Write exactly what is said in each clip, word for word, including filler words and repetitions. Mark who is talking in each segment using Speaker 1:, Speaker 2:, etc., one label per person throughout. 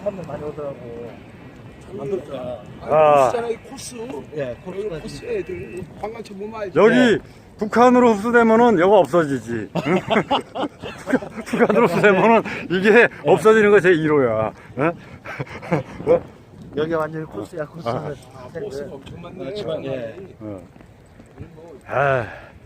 Speaker 1: 사람들 많이 오더라고. 만들었잖아.
Speaker 2: 아.
Speaker 3: 아, 이 코스.
Speaker 1: 예,
Speaker 3: 여기 코스 애들 관광차 못 많이.
Speaker 2: 여기
Speaker 1: 네.
Speaker 2: 북한으로 흡수되면은 여가 없어지지. 응? 북한- 북한으로 흡수되면은 이게 없어지는 거 제일 호야. 어?
Speaker 1: 여기 완전히 코스야, 코스.
Speaker 2: 아.
Speaker 3: 코스가 엄청 많네.
Speaker 1: 지방, 예.
Speaker 2: 어. 아.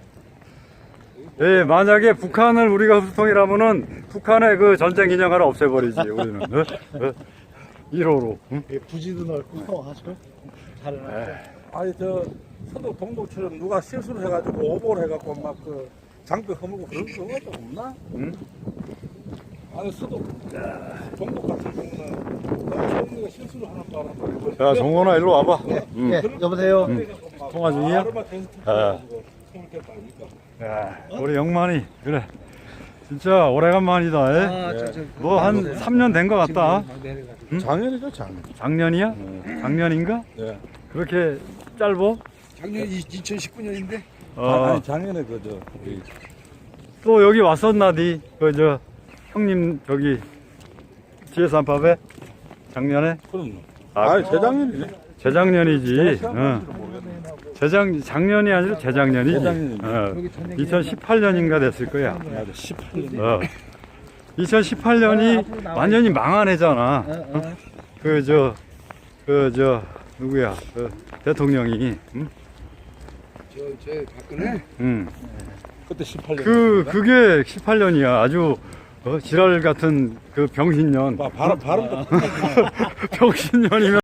Speaker 2: 예, 만약에 북한을 우리가 흡수통이라면은 북한의 그 전쟁 기념관을 없애버리지, 우리는. 어? 어? 일 호로. 응?
Speaker 1: 예, 부지도 넓고 아주 잘해놨어.
Speaker 3: 아니 저 서독 동독처럼 누가 실수를 해가지고 오보를 해갖고 막 그 장벽 허물고 그런 경우가 없나?
Speaker 2: 응?
Speaker 3: 아니 서독 동독 같은 경우는 너무 처음에 실수를 하는 바람에
Speaker 2: 자, 정원아, 일로 와봐. 응.
Speaker 1: 예, 여보세요?
Speaker 2: 통화 중이야?
Speaker 3: 아르마 텐트
Speaker 2: 아.
Speaker 3: 가지고 손을 댔다 아닙니까?
Speaker 2: 야, 우리 영만이, 그래. 진짜 오래간만이다.
Speaker 1: 아,
Speaker 2: 예.
Speaker 1: 저, 저,
Speaker 2: 뭐 한 삼 년 된 것 같다. 응?
Speaker 3: 작년이죠 작년.
Speaker 2: 작년이야? 작년인가?
Speaker 3: 네.
Speaker 2: 그렇게 짧어?
Speaker 3: 작년 이천십구 년인데.
Speaker 2: 어,
Speaker 3: 아니 작년에 그저
Speaker 2: 또 여기 왔었나디? 그, 저, 형님, 저기, 지혜산밥에? 작년에?
Speaker 3: 그럼요.
Speaker 2: 아,
Speaker 3: 아니 재작년이네.
Speaker 2: 재작년이지. 어. 재작, 작년이 아니라 재작년이지.
Speaker 3: 재작년이지.
Speaker 2: 어. 이천십팔 년인가 됐을 거야.
Speaker 3: 맞아 십팔 년.
Speaker 2: 어. 이천십팔 년이 완전히 망한 해잖아.
Speaker 1: 어,
Speaker 2: 그, 저, 그, 저, 누구야. 그, 대통령이. 응?
Speaker 3: 저저 박근혜
Speaker 2: 응.
Speaker 3: 그때 십팔 년.
Speaker 2: 그, 그게 십팔 년이야. 아주, 어, 지랄 같은 그 병신년.
Speaker 3: 발음 발음도
Speaker 2: 병신년이면